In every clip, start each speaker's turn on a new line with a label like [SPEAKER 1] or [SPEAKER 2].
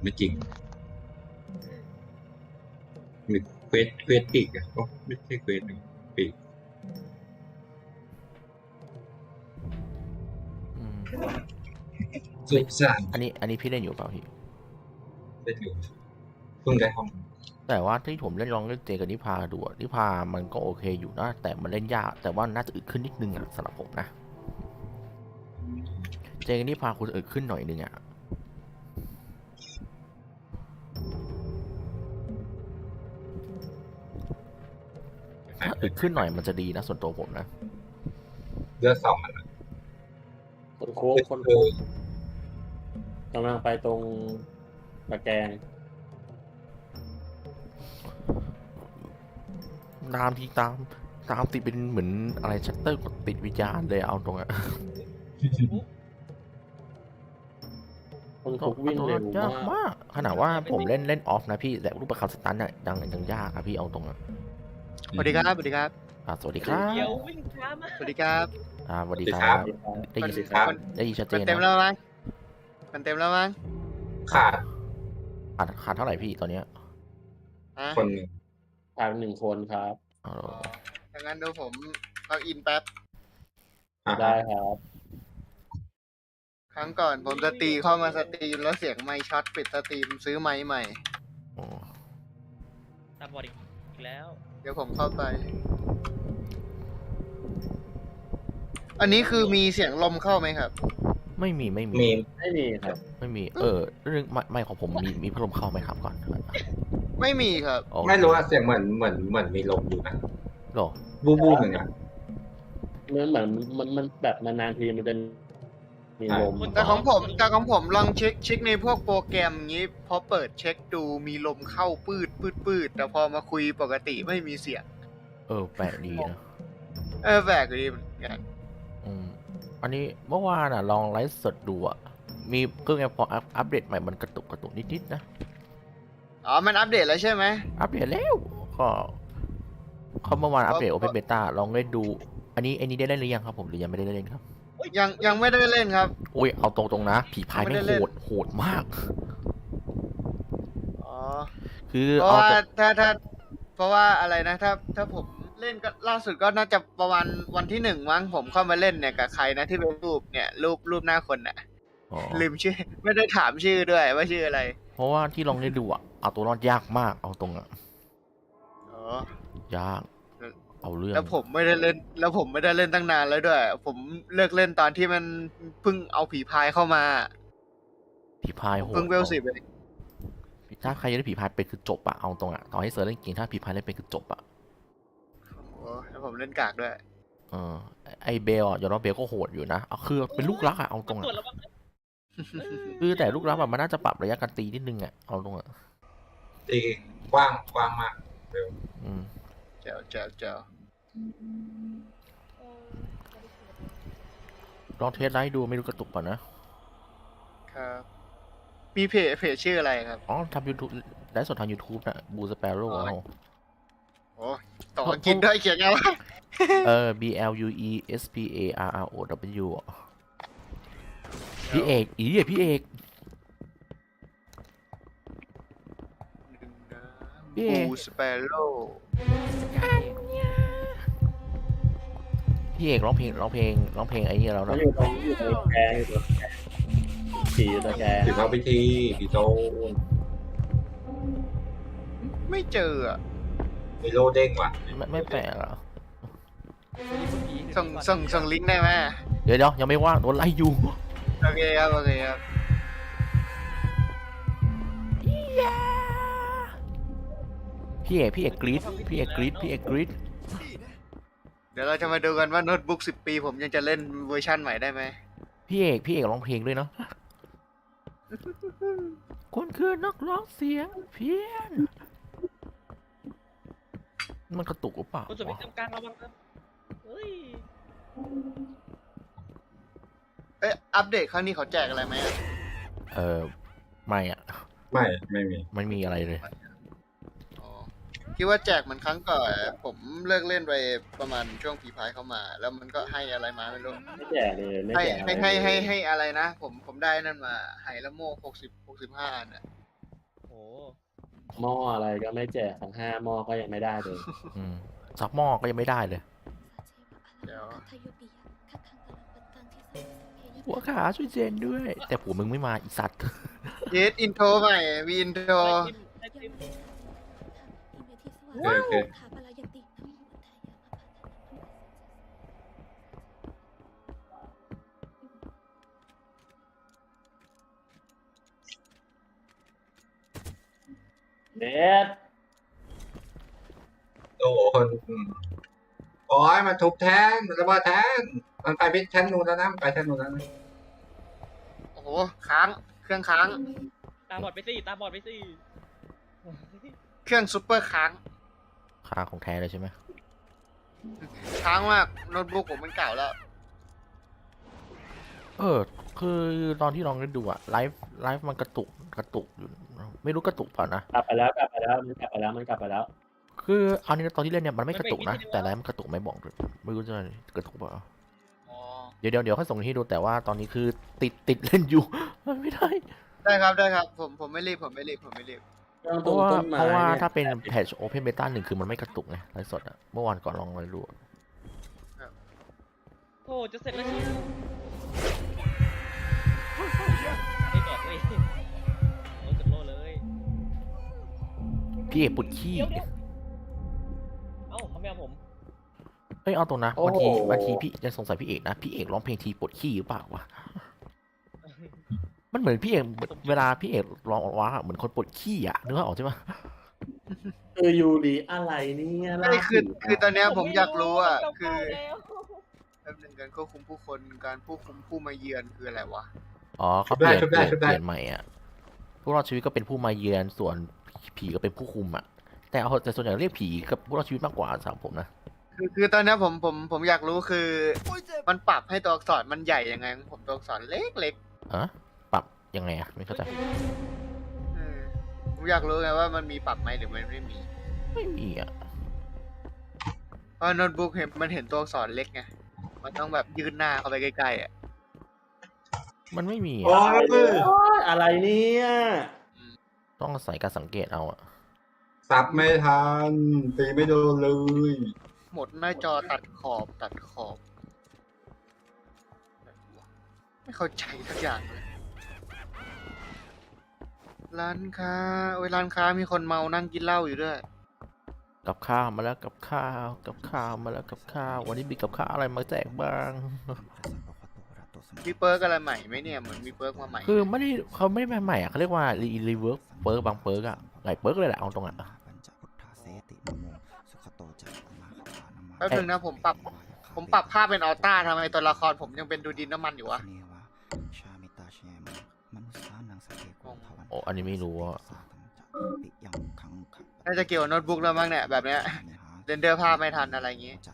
[SPEAKER 1] ไม่จริงหรือเควสปีกอ่ะก็ไม่ใช่เควสหนึ่งปีกสุดสาน
[SPEAKER 2] อันนี้พี่เล่นอยู่เปล่าพี่
[SPEAKER 1] เล่นอยู่เพิ่งได้ห้อง
[SPEAKER 2] แต่ว่าที่ผมลองเล่นเจกับนิพาดูนิพามันก็โอเคอยู่นะแต่มันเล่นยากแต่ว่าน่าจะอึดขึ้นนิดนึงสำหรับผมนะเจกับนิพาคุณอึดขึ้นหน่อยนึงถ้าอึดขึ้นหน่อยมันจะดีนะส่วนตัวผมนะ
[SPEAKER 1] เลือดสองมัน
[SPEAKER 3] คนโค้งคนโค้งกำลังไปตรงตะแกรง
[SPEAKER 2] ตามติดเป็นเหมือนอะไรชัตเตอร์กดติดวิญญาณเลยเอาตรง
[SPEAKER 3] คนคุกวิ่งเร็วย
[SPEAKER 2] ากมากขนาดว่าผมเล่นออฟนะพี่แต่รูปประคำสตันเนี่ยยังยากครับพี่เอาตรง
[SPEAKER 4] สวัสดีครับสวัสดีครับ
[SPEAKER 2] สวัสดีครับ
[SPEAKER 5] เดี๋ยววิ่งช้ามาก
[SPEAKER 4] สวัสดีครับ
[SPEAKER 2] สวัสดีครับได้ยินชัดเจ
[SPEAKER 4] มัน
[SPEAKER 2] น
[SPEAKER 4] เต็ม
[SPEAKER 2] นะ
[SPEAKER 4] แล้วมั้งมันเต็มแล้วมั้ง
[SPEAKER 1] ขาด
[SPEAKER 2] ขาดเท่าไหร่พี่ตอนเนี้ย
[SPEAKER 4] ฮะ
[SPEAKER 1] คนหนึ่ง
[SPEAKER 3] ผ่าน1 คนครับ
[SPEAKER 4] ดังนั้นดูผมเอาอินแป๊บ
[SPEAKER 3] ได้ครับ
[SPEAKER 4] ครั้งก่อนผมจะตีเข้ามาสตรีมแล้วเสียงไมค์ช็อตปิดสตรีมซื้อไมค์ใหม่
[SPEAKER 5] ตาบอดอีกแล้ว
[SPEAKER 4] เดี๋ยวผมเข้าไป อันนี้คือมีเสียงลมเข้าไหมครับ
[SPEAKER 2] ไม่มี
[SPEAKER 1] มี
[SPEAKER 3] ไม่มีครับ
[SPEAKER 2] ไม่มีเรื่องไม่ของผมมีพัดลมเข้าไหมครับก่อน
[SPEAKER 4] ไม่มีครับ
[SPEAKER 2] โอเค
[SPEAKER 1] ไม่รู้ว่าเสียงเหมือนมีลมอยู่นะ
[SPEAKER 2] หรอ
[SPEAKER 1] บูหนึ่งอ่ะ
[SPEAKER 3] เหมือนมันแบบนานๆทีมันจะมีลม
[SPEAKER 4] แต่ของผมลองเช็คในพวกโปรแกรมอย่างนี้พอเปิดเช็คดูมีลมเข้าปืดแต่พอมาคุยปกติไม่มีเสียง
[SPEAKER 2] แปลกดีนะ
[SPEAKER 4] แปลกดีเหมือนกัน
[SPEAKER 2] อันนี้เมื่อวานลองไลฟ์สดดูมีเครื่องพออัปเดตใหม่มันกระตุกนิดๆนะ
[SPEAKER 4] อ๋อมันอัปเดตแล้วใช่ไหม
[SPEAKER 2] อัปเดตแล้วก็เขาเมื่อวานอัปเดตโอเพนเบต้าลองเล่นดู อันนี้ได้เล่นหรือยังครับผมหรือยังไม่ได้เล่นครับ
[SPEAKER 4] ยังไม่ได้เล่นครับ
[SPEAKER 2] อุ้ยเอาตรงๆนะผีพายไม่โหดมาก
[SPEAKER 4] อ๋อ
[SPEAKER 2] คือ
[SPEAKER 4] เพราะว่าเพราะว่าอะไรนะถ้าผมเล่นก็ล่าสุดก็น่าจะประมาณวันที่1มั้งผมเข้ามาเล่นเนี่ยกับใครนะที่เป็นรูปเนี่ยรูปหน้าคนน่ะลืมชื่อไม่ได้ถามชื่อด้วยว่าชื่ออะไร
[SPEAKER 2] เพราะว่าที่ลองเล่นดูเอาตัวรอดยากมากเอาตรง
[SPEAKER 4] อ๋อ
[SPEAKER 2] ยากเอาเรื่อง
[SPEAKER 4] แล้วผมไม่ได้เล่นตั้งนานแล้วด้วย ผมเลิกเล่นตอนที่มันเพิ่งเอาผีพายเข้ามา
[SPEAKER 2] ผีพายโหด
[SPEAKER 4] เพิ่งเวล10เอง
[SPEAKER 2] ถ้าใครจะได้ผีพายเป็นคือจบเอาตรงต่อให้เซิร์ฟเล่นเก่งถ้าผีพายเล่นเป็นคือจบ
[SPEAKER 4] โอ้แล้วผมเล่นกากด้วย
[SPEAKER 2] ไอเบลยอมรับเบลก็โหดอยู่นะเอาคือเป็นลูกรักเอาตรง
[SPEAKER 5] ตรวจแล้วมั้ง
[SPEAKER 2] คือแต่ลูกรักมันน่าจะปรับระยะการตีนิดนึงเอาตรง
[SPEAKER 1] ตีกว้างมากเร็ว
[SPEAKER 4] เจ้า
[SPEAKER 2] ลองเทสไลท์ดูไม่รู้กระตุกป่ะนะ
[SPEAKER 4] ครับมีเพจชื่ออะไรครับ
[SPEAKER 2] ทำ YouTube ไลฟ์สดทาง YouTube นะบูสเปโร่เอา
[SPEAKER 4] โอ้ต่อกินด้วยเขียนไงวะ
[SPEAKER 2] BLUESPARROW พี่เอกพี่เอก
[SPEAKER 4] บูสเปโร่
[SPEAKER 2] พี่เอกร้องเพลงไอ้นี่แล้ว
[SPEAKER 3] มัน
[SPEAKER 2] นะ
[SPEAKER 3] อยู่ตรงตะแกรงผีตะแกรง
[SPEAKER 1] ถือเข้าพิธีผีโต
[SPEAKER 4] ไม่เจออ่ะ
[SPEAKER 1] มีโลเด้งว่ะ
[SPEAKER 2] ไม่แปลกอ่ะ
[SPEAKER 4] ส่งลิงก์ได้ไหม
[SPEAKER 2] เดี๋ยวยังไม่ว่างโดนไล่อยู่
[SPEAKER 4] โอเคครับ
[SPEAKER 2] พี่เอกกรี๊ด
[SPEAKER 4] เดี๋ยวเราจะมาดูกันว่าโน้ตบุ๊ก10 ปีผมยังจะเล่นเวอร์ชั่นใหม่ได้ไหม
[SPEAKER 2] พี่เอกร้องเพลงด้วยเนาะคุณคือนักร้องเสียงเพี้ยนมันกระตุกหรือเปล่า
[SPEAKER 5] คนสวิตช์กลางระวังนะเฮ้ย
[SPEAKER 4] อัปเดตครั้งนี้เขาแจกอะไรไหม
[SPEAKER 2] ไม่
[SPEAKER 1] ไม่มี
[SPEAKER 2] ไม่มีอะไรเลย
[SPEAKER 4] คิดว่าแจกเหมือนครั้งก่อนผมเลิกเล่นไปประมาณช่วงผีพายเข้ามา แล้วมันก็ให้อะไรมาไม่รู้
[SPEAKER 3] ไม่แจกเลยไม่
[SPEAKER 4] ให้
[SPEAKER 3] แจก
[SPEAKER 4] ให้อะไรนะผมได้นั่นมาไฮละโม่65น่ะ
[SPEAKER 3] หม้ออะไรก็ไม่แจกทั้ง5 หม้อก็ยังไม่ได้เลย
[SPEAKER 2] ซักหม้อก็ยังไม่ได้เลย
[SPEAKER 4] เดี๋ยว
[SPEAKER 2] หัวขาช่วยเจนด้วย แต่ผัวมึงไม่มาอีสัตว์
[SPEAKER 4] เยสอินโทรใหม่มีอินโทร
[SPEAKER 5] ได้จิ้ม
[SPEAKER 1] โอเคโอเค
[SPEAKER 3] เน็ต
[SPEAKER 1] โอ้โหคนโอ้ยมันทุบแทนมันระเบิดแทนมันไปแทนนู้นแล้วนะมันไปแทนนู้นแล้วนะ
[SPEAKER 4] โอ้โหค้างเครื่องค้าง
[SPEAKER 5] ตาบอดไปสิตาบอดไปสิ
[SPEAKER 4] เครื่องซูเปอร์ค้าง
[SPEAKER 2] ค่าของแท้เลยใช่ไหม
[SPEAKER 4] ค้างมากโน้ตบุ๊กผมมันเก่าแล้ว
[SPEAKER 2] คือตอนที่ลองได้ดูอะไลฟ์มันกระตุกอยู่ ไม่รู้กระตุกเปล่านะ
[SPEAKER 3] กลับไปแล้วมันกลับไปแล้ว
[SPEAKER 2] คือเอานี้ตอนที่เล่นเนี่ยมันไม่กระตุกนะ แต่ไลฟ์มันกระตุกไม่บอกเลยไม่รู้จะกระตุกเปล่า
[SPEAKER 4] อ๋อ
[SPEAKER 2] เดี๋ยวค่อยส่งให้ดูแต่ว่าตอนนี้คือติดเล่นอยู่ มันไม่ได้
[SPEAKER 4] ได้ครับผมไม่รีบผมไม่รีบ
[SPEAKER 2] เพราะว่า
[SPEAKER 3] ต้นไม้
[SPEAKER 2] ถ้า
[SPEAKER 3] เนี่ย
[SPEAKER 2] เป็นแพทช์โอเพนเบต้า1คือมันไม่กระตุกไงไลฟ์สดอะเมื่อวานก่อนลองเลยดูอะ
[SPEAKER 5] โอ้จะเสร็จแล้วเชียวไม่บอดเลยโอ้จุดโลเลย
[SPEAKER 2] พี่เอกปวดขี้
[SPEAKER 5] เอ้าเขาไม่เอาผม
[SPEAKER 2] เอ้ยเอาตรงนะ
[SPEAKER 3] โอ้
[SPEAKER 2] บางทีพี่ยังสงสัยพี่เอกนะพี่เอกร้องเพลงทีปวดขี้หรือเปล่าวะมันเหมือนพี่เอกเวลาพี่เอกร้องออกมาเหมือนคนปวดขี้อะนึกว่าออกใช่ไหม
[SPEAKER 3] ยูริอะไรเนี่ย
[SPEAKER 4] ไม่คือตอนเนี้ยผมอยากรู้อ่ะ
[SPEAKER 5] เก้า
[SPEAKER 4] คือ
[SPEAKER 5] แล้ว
[SPEAKER 4] แป๊บนึงการควบคุมผู้คนการควบคุมผู้มาเยือนคืออะไรวะ
[SPEAKER 2] อ๋อเขาเปลี่ยนใหม่อ่ะผู้รอดชีวิตก็เป็นผู้มาเยือนส่วนผีก็เป็นผู้คุมอ่ะแต่ส่วนใหญ่เรียกผีกับผู้รอดชีวิตมากกว่าสำหรับผมนะ
[SPEAKER 4] คือตอนเนี้ยผมอยากรู้คือ มันปรับให้ตัวอักษรมันใหญ่ยังไงของผมตัวอักษรเล็ก
[SPEAKER 2] อะปรับยังไงอ่ะไม่เข้าใจ
[SPEAKER 4] ๆผมอยากรู้ไงว่ามันมีปรับไหมหรือมันไม่มี
[SPEAKER 2] ไม่มีอ่ะ
[SPEAKER 4] เพราะโน้ตบุ๊กมันเห็นตัวอักษรเล็กไงมันต้องแบบยืนหน้าเข้าไปใกล้ๆอ่ะ
[SPEAKER 2] มันไม่มี
[SPEAKER 1] โอ้
[SPEAKER 2] อ่ะ
[SPEAKER 1] ย
[SPEAKER 3] อะไรเนี่ย
[SPEAKER 2] ต้องอาศัยการสังเกตเอาอ่ะ
[SPEAKER 1] สับไม่ทันตีไม่โดนเลย
[SPEAKER 4] หมดหน้าจอตัดขอบไม่เข้าใจสักอย่างเลยร้านค้าร้านค้ามีคนเมานั่งกินเหล้าอยู่ด้วย
[SPEAKER 2] กับข้าวมาแล้วกับข้าวมาแล้วกับข้าววันนี้มีกับข้าวอะไรมาแจกบ้าง
[SPEAKER 4] มีเปิร์กอะไรใหม่ไหมเนี่ยเหมือนมีเปิร์กมาใหม่
[SPEAKER 2] คือเขาไม่ได้ใหม่อ่ะเขาเรียกว่ารีเวิร์กเปิร์กบางเปิร์กอ่ะหลายเปิร์กเลยแหละเอาตรงอ่ะ
[SPEAKER 4] แป๊บนึงนะผมปรับภาพเป็นอัลต้าทำไมตัวละครผมยังเป็นดูดินน้ำมันอยู่วะ
[SPEAKER 2] โอ้อันนี้ไม่รู้อ่ะ
[SPEAKER 4] น่าจะเกี่ยวกับโน้ตบุ๊กแล้วมั้งเนี่ยแบบเนี้ยเรนเดอร์ภาพไม่ทันอะไรอย่างงี้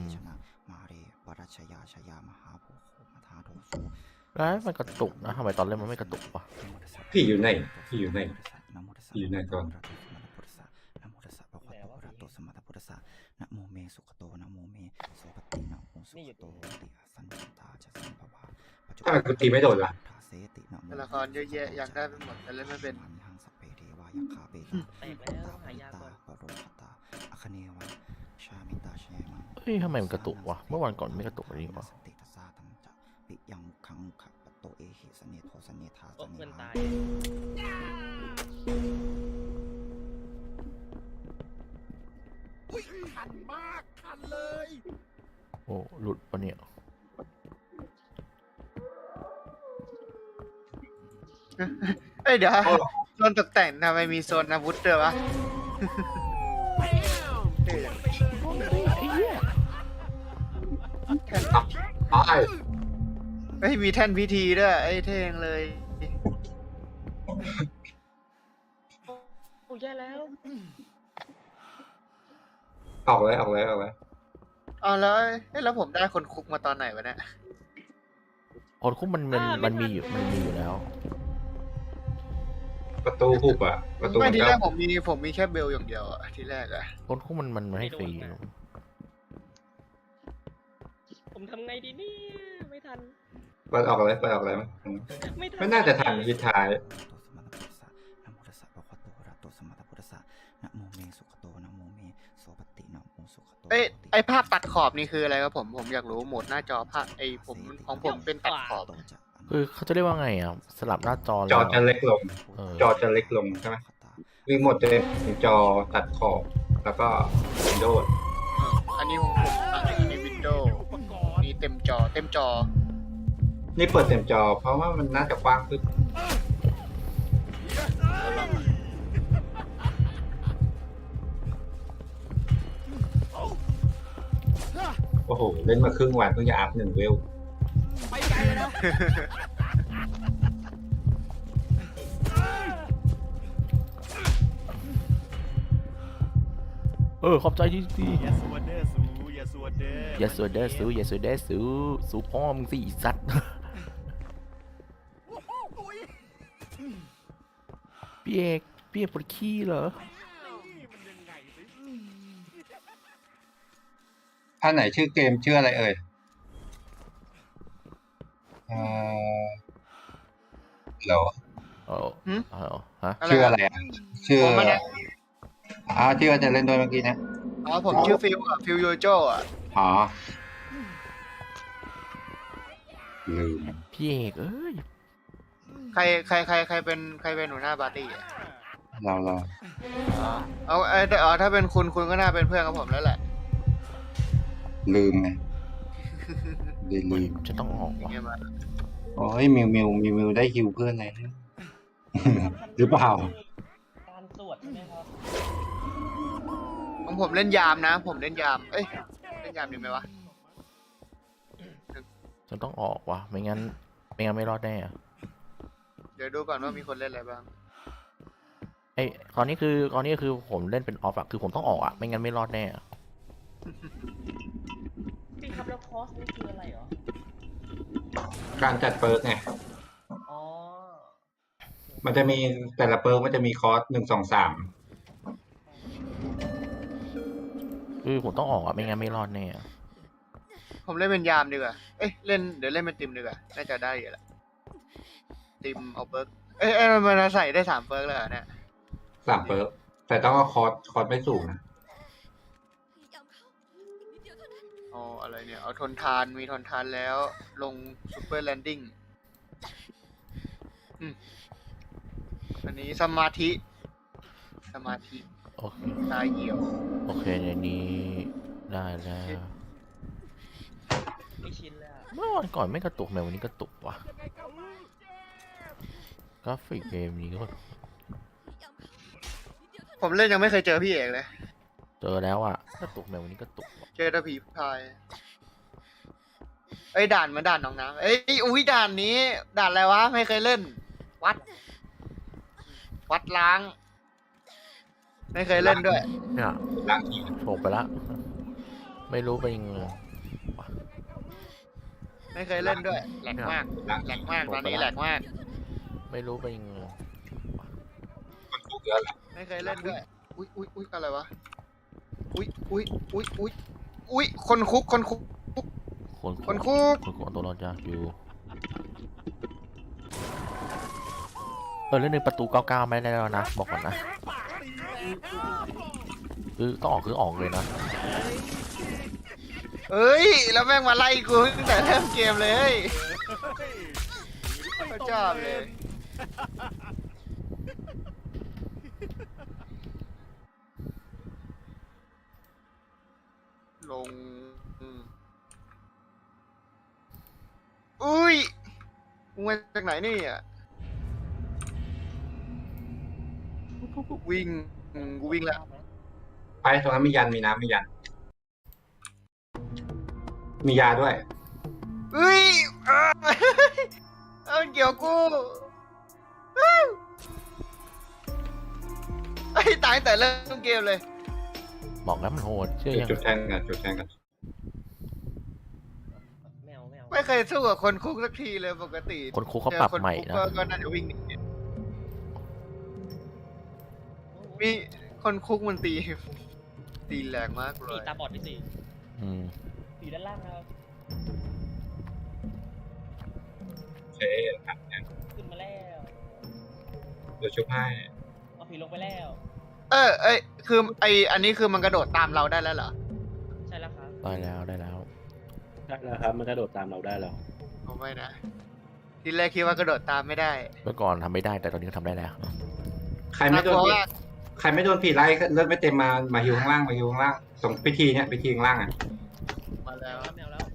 [SPEAKER 2] แล้วมันกระตุกนะทำไมตอนเล่นมันไม่กระตุกวะ
[SPEAKER 1] พี่อยู่ไหนก่อน
[SPEAKER 3] นะโมเมสุขโตนะโมเมสุปฏินะโมสุขโตติสันตาจะสัมภวะ
[SPEAKER 1] ถ้ากูตีไม่โดนล่ะ
[SPEAKER 4] ตัวละครเยอะแยะอยากได้ไปหมดแต่เล่นไม่เป็น
[SPEAKER 5] แตกแล้วหายาก่อน
[SPEAKER 2] เฮ้ยทำไมมันกระตุกวะเมื่อวันก่อนไม่กระตุกแบบนี้วะ
[SPEAKER 5] โอ้เพื่อนตาย
[SPEAKER 2] โอ้หลุดปะเนี่ย
[SPEAKER 4] เอ้ยเดี๋ยวโซนตกแต่งทำไมมีโซนอาวุธด้วยวะเท่จังแท่น
[SPEAKER 1] ตาย
[SPEAKER 4] เฮ้ยมีแท่นพิธีด้วยไอ้เท่งเลย
[SPEAKER 5] โอ้แย่แล้ว
[SPEAKER 1] ออกเลย
[SPEAKER 4] เอาแล้วผมได้คนคุกมาตอนไหนวะเนี่ย
[SPEAKER 2] คนคุกมันมีอยู่แล้ว
[SPEAKER 1] ประตูหุบอ่ะประตู
[SPEAKER 4] ไม่
[SPEAKER 1] มัน
[SPEAKER 4] ที
[SPEAKER 1] ก็
[SPEAKER 4] แรกผมมีแค่เบลอย่างเดียวอะทีแรกอะ
[SPEAKER 2] คนคุกมันให้ฟรี
[SPEAKER 5] ผมทำไงดีเนี่ยไม่ทัน
[SPEAKER 1] เปิดออกเลยมั้ย
[SPEAKER 5] ไม่ทัน
[SPEAKER 1] ไม่น่าจะทันยิดท้าย
[SPEAKER 4] ไอ้ภาพตัดขอบนี่คืออะไรครับผมอยากรู้โหมดหน้าจอภาพผมของผมเป็นตัดขอบ
[SPEAKER 2] คือเขาจะเรียกว่าไงอ่ะสลับหน้าจอ
[SPEAKER 1] จอจะ
[SPEAKER 2] แล้ว
[SPEAKER 1] เล็กลง
[SPEAKER 2] เออ
[SPEAKER 1] จอจะเล็กลงใช่ไหมวิ่งหมดจะเป็นจอตัดขอบแล้วก็วินโดว์
[SPEAKER 4] อันนี้ของผมอันนี้วินโดว์นี่เต็มจอ
[SPEAKER 1] นี่เปิดเต็มจอ เพราะว่ามันน่าจะกว้างขึ้นโอ้โห เล่นมาครึ่งวันเพิ่งจะอัพ1 เวล
[SPEAKER 2] ขอบใจที่ดี
[SPEAKER 6] อย่าสวดเด้อสูอย่าสวดเด้อ
[SPEAKER 2] อย่าสวดเด้อสู้อย่าสวดเด้อสู้สู้พ่อมึงสิอีสัตว์ พี่เอกปวดขี้เหรอ
[SPEAKER 1] ท่านไหนชื่อเกมชื่ออะไรเอ่ยเหรอ
[SPEAKER 2] ฮะ
[SPEAKER 1] ชื่ออะไรอ่ะ ชื่อ
[SPEAKER 4] ผมไม่ได้
[SPEAKER 1] ที่ว่าจะเล่นด้วยเมื่อกี้นะ
[SPEAKER 4] อ๋อผมชื่อฟิลโยโจอ่ะ
[SPEAKER 1] อ๋อ ลืม
[SPEAKER 2] พี่เอกเอ้ย
[SPEAKER 4] ใครเป็นหัวหน้าปาร์ตี้อ่ะ
[SPEAKER 1] เรา
[SPEAKER 4] ถ้าเป็นคุณก็น่าเป็นเพื่อนกับผมแล้วแหละ
[SPEAKER 1] ลืมไงลืม
[SPEAKER 2] จะต้องออก
[SPEAKER 4] อย่าง
[SPEAKER 2] ว่ะ
[SPEAKER 4] เงี้ยมา
[SPEAKER 1] โอ้ยมิวได้ฮิวเพื่อนเลย หรือเปล่า
[SPEAKER 5] การสวดใช่ไหมครับ
[SPEAKER 4] ของผมเล่นยามนะ ผมเล่นยามเล่นยามดีไหมวะ
[SPEAKER 2] จะต้องออกว่ะไม่งั้นไม่รอดแน่อะ
[SPEAKER 4] เดี๋ยวดูก่อนว่ามีคนเล่นอะไรบ้าง
[SPEAKER 2] ตอนนี้คือผมเล่นเป็นออฟอะคือผมต้องออกอะไม่งั้นไม่รอดแน่อะ
[SPEAKER 5] พี่ครับแล้วคอสนี่คืออะไรเหรอ
[SPEAKER 1] การจัดเปิร์กไง
[SPEAKER 5] อ๋อ
[SPEAKER 1] มันจะมีแต่ละเปิร์กมันจะมีคอร์ส1 2 3
[SPEAKER 2] คือผมต้องออกอะไม่งั้นไม่รอดแน่อะ
[SPEAKER 4] ผมเล่นเป็นยามดีกว่าเล่นเป็นติมดีกว่าน่าจะได้อยู่แหละติมเอาเบิร์กมันใส่ได้3เบิร์กเลยเหรอเนี่ย
[SPEAKER 1] 3 เปิร์กแต่ต้องเอาคอร์สไม่สูงนะ
[SPEAKER 4] อ๋ออะไรเนี่ยเอาทนทานมีทนทานแล้วลงซูเปอร์แลนดิ้งอันนี้สมาธิ
[SPEAKER 2] โอเค
[SPEAKER 4] ตายเหี่ยว
[SPEAKER 2] โอเคในนี้ได้แล้ว
[SPEAKER 5] ไม่ชินเลยอะ
[SPEAKER 2] เมื่อวันก่อนไม่กระตุกแมวันนี้กระตุกว่ะกราฟิกเกมนี้ก็
[SPEAKER 4] ผมเล่นยังไม่เคยเจอพี่เอกเลย
[SPEAKER 2] เจอแล้วอะกระตุกแมวันนี้กระตุกว่ะ
[SPEAKER 4] เจอแต่ผีพายด่านเหมือนด่านหนองน้ำอุ้ยด่านนี้ ด่านอะไรวะ ไม่เคยเล่น วัดล้าง ไม่เคยเล่นด้วย
[SPEAKER 2] เนี่ย
[SPEAKER 1] ล้างที
[SPEAKER 2] โฉบไปละไม่รู้เป็นยังไง
[SPEAKER 4] ไม่เคยเล่นด้วยแหลกมากตอนนี้แหลกมาก
[SPEAKER 2] ไม่รู้เป็นยังไง
[SPEAKER 1] มันถูกเยอะแหละ
[SPEAKER 4] ไม่เคยเล่นด้วย อุ้ยอะไรวะ อุ้ยคนคุก
[SPEAKER 2] คนตัวรอดยากอยู่เล่นในประตู99ไม่ได้แล้วนะบอกก่อนนะคือต้องออกคือออกเลยนะ
[SPEAKER 4] แล้วแม่งมาไล่กูตั้งแต่เริ่มเกมเลยเขาชอบเลย ลงอุ้ยมึงมาจากไหนนี่อ่ะวิ่งกูวิ่งแล้ว
[SPEAKER 1] ไปตรงนั้นมียันมีน้ำมียัน มียาด้วย
[SPEAKER 4] เอาเกี่ยวกูตายแต่เริ่มเกมเลย
[SPEAKER 2] บอกแล้วมันโหดเชื่อยัง
[SPEAKER 1] จุดแทงกัน
[SPEAKER 5] แมว
[SPEAKER 4] ไม่เคยสู้กับคนคุกสักทีเลยปกติ
[SPEAKER 2] คนคุกเขาปรับใหม่นะ
[SPEAKER 4] ก็น่าจะวิ่งหนีมีคนคุกมันตีแรงมากเล
[SPEAKER 5] ผี
[SPEAKER 4] ย
[SPEAKER 5] ตาบอดที่สี่
[SPEAKER 2] อืม
[SPEAKER 5] ผีด้านล่างครับ
[SPEAKER 1] โอเค
[SPEAKER 5] ขึ้นมาแล้ว
[SPEAKER 1] เดี๋ยวชุบให้
[SPEAKER 5] เอาผีลงไปแล้ว
[SPEAKER 4] คืออันนี้คือมันกระโดดตามเราได้แล้วเหรอ
[SPEAKER 2] ได้แล้วได้แล้ว
[SPEAKER 3] ได้แล้วครับ มันกระโดดตามเราได้แล้ว
[SPEAKER 4] ผมไม่นะทีแรกคิดว่ากระโดดตามไม่ได้
[SPEAKER 2] เมื่อก่อนทำไม่ได้แต่ตอนนี้ก็ทำได้แล้ว
[SPEAKER 1] ใครไม่โดน
[SPEAKER 4] เพราะ
[SPEAKER 1] ผี
[SPEAKER 4] ว่า
[SPEAKER 1] ใครไม่โดนผีไล่เลือดไม่เต็มมาฮิวข้างล่างมาฮิวข้างล่างตรงพิธีเนี่ยพิธีข้างล่างอ่ะ
[SPEAKER 4] มาแล้ว
[SPEAKER 5] แมวแล้ว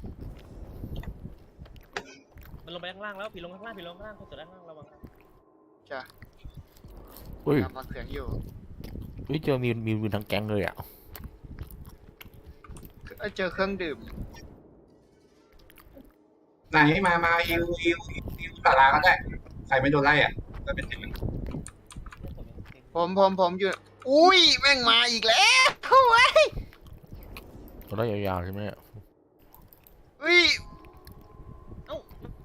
[SPEAKER 5] มันลงไปข้างล่างแล้วผีลงข้างล่างผีลงข้างล่างคนเสือด้านล่างระวัง
[SPEAKER 4] จ้ะ
[SPEAKER 2] อุ้ย
[SPEAKER 4] ทำมาเสียงอยู่
[SPEAKER 2] อุ้ยเจอมีทั้งแก๊งเลยอ่ะ
[SPEAKER 4] เจอเครื่องดื่ม
[SPEAKER 1] ไหนมาฮิวตาราก็ได้ใครไม่โดนไล่อ่ะก็เป็นสิบ
[SPEAKER 4] ผมอยู่ อุ้ยแม่งมาอีกแล้วเฮ้ย
[SPEAKER 2] เราได้ยาวๆใช่ไหมเนี่ย
[SPEAKER 4] อุ้ย
[SPEAKER 5] เอ้า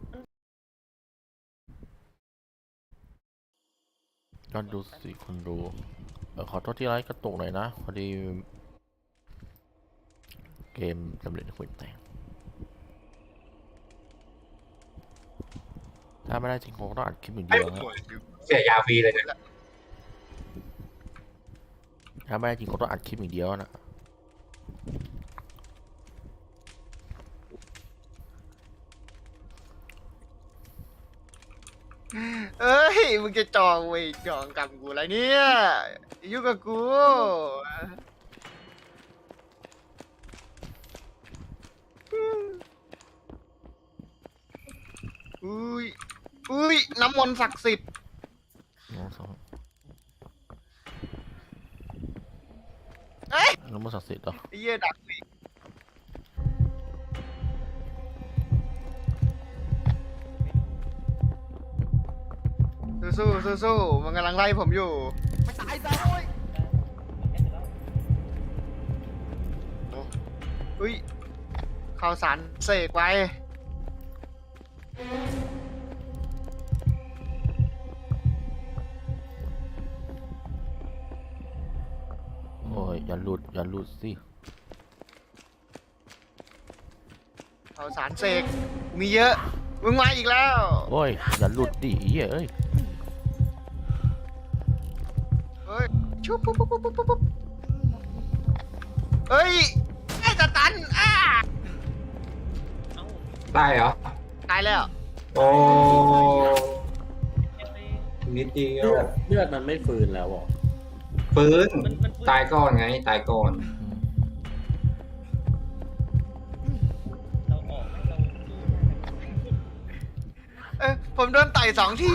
[SPEAKER 2] ก็ดูสิคนดูขอโทษที่ไลฟ์กระตุกหน่อยนะพอดีเกมสำเร็จคุยแต่งถ้าไม่ได้จริงคงต้องอัดคลิปอย่างเดียวนะ
[SPEAKER 1] เสียยาฟรีเลยเนี่ย
[SPEAKER 2] ถ้าไม่ได้จริงคงต้องอัดคลิปอย่างเดียวนะ
[SPEAKER 4] เอ้ยมึงจะจองเว้ยจองกับกูอะไรเนี่ยอย่ายุ่งกับกูอุ้ยน้ำมนต์ศักดิ์สิทธิ์ เอ้ย
[SPEAKER 2] น้ำมันศักดิ์สิทธิ์เหรอ
[SPEAKER 4] ไอ้เหี้ยดักอีกสู้มันกำลังไล่ผมอยู่ไม่ตายซะโอ้ยอุ้ยข่าวสารเสกไว้
[SPEAKER 2] โอ้ยอย่าหลุดสิ
[SPEAKER 4] ข่าวสารเสกมีเยอะมึงมาอีกแล้ว
[SPEAKER 2] โอ้ยอย่าหลุดดิเหี้ยเอ้ย
[SPEAKER 4] เฮ้ยชุบปุ๊บเฮ้ยไอ้ตะตันอ้า
[SPEAKER 5] เอ้า
[SPEAKER 1] ได้เหรอ
[SPEAKER 4] ตายแล้ว
[SPEAKER 1] โอ้
[SPEAKER 5] เอ็มไป
[SPEAKER 1] นิดเดียว
[SPEAKER 3] เลือดมันไม่ฟื้นแล้วอ่ะ
[SPEAKER 1] ฟื้น
[SPEAKER 5] มันฟื้น
[SPEAKER 1] ตายก่อนไงตายก่อน
[SPEAKER 5] เราออกไหมเราสู้ได้ไหม
[SPEAKER 4] ผมโดนไต่2 ที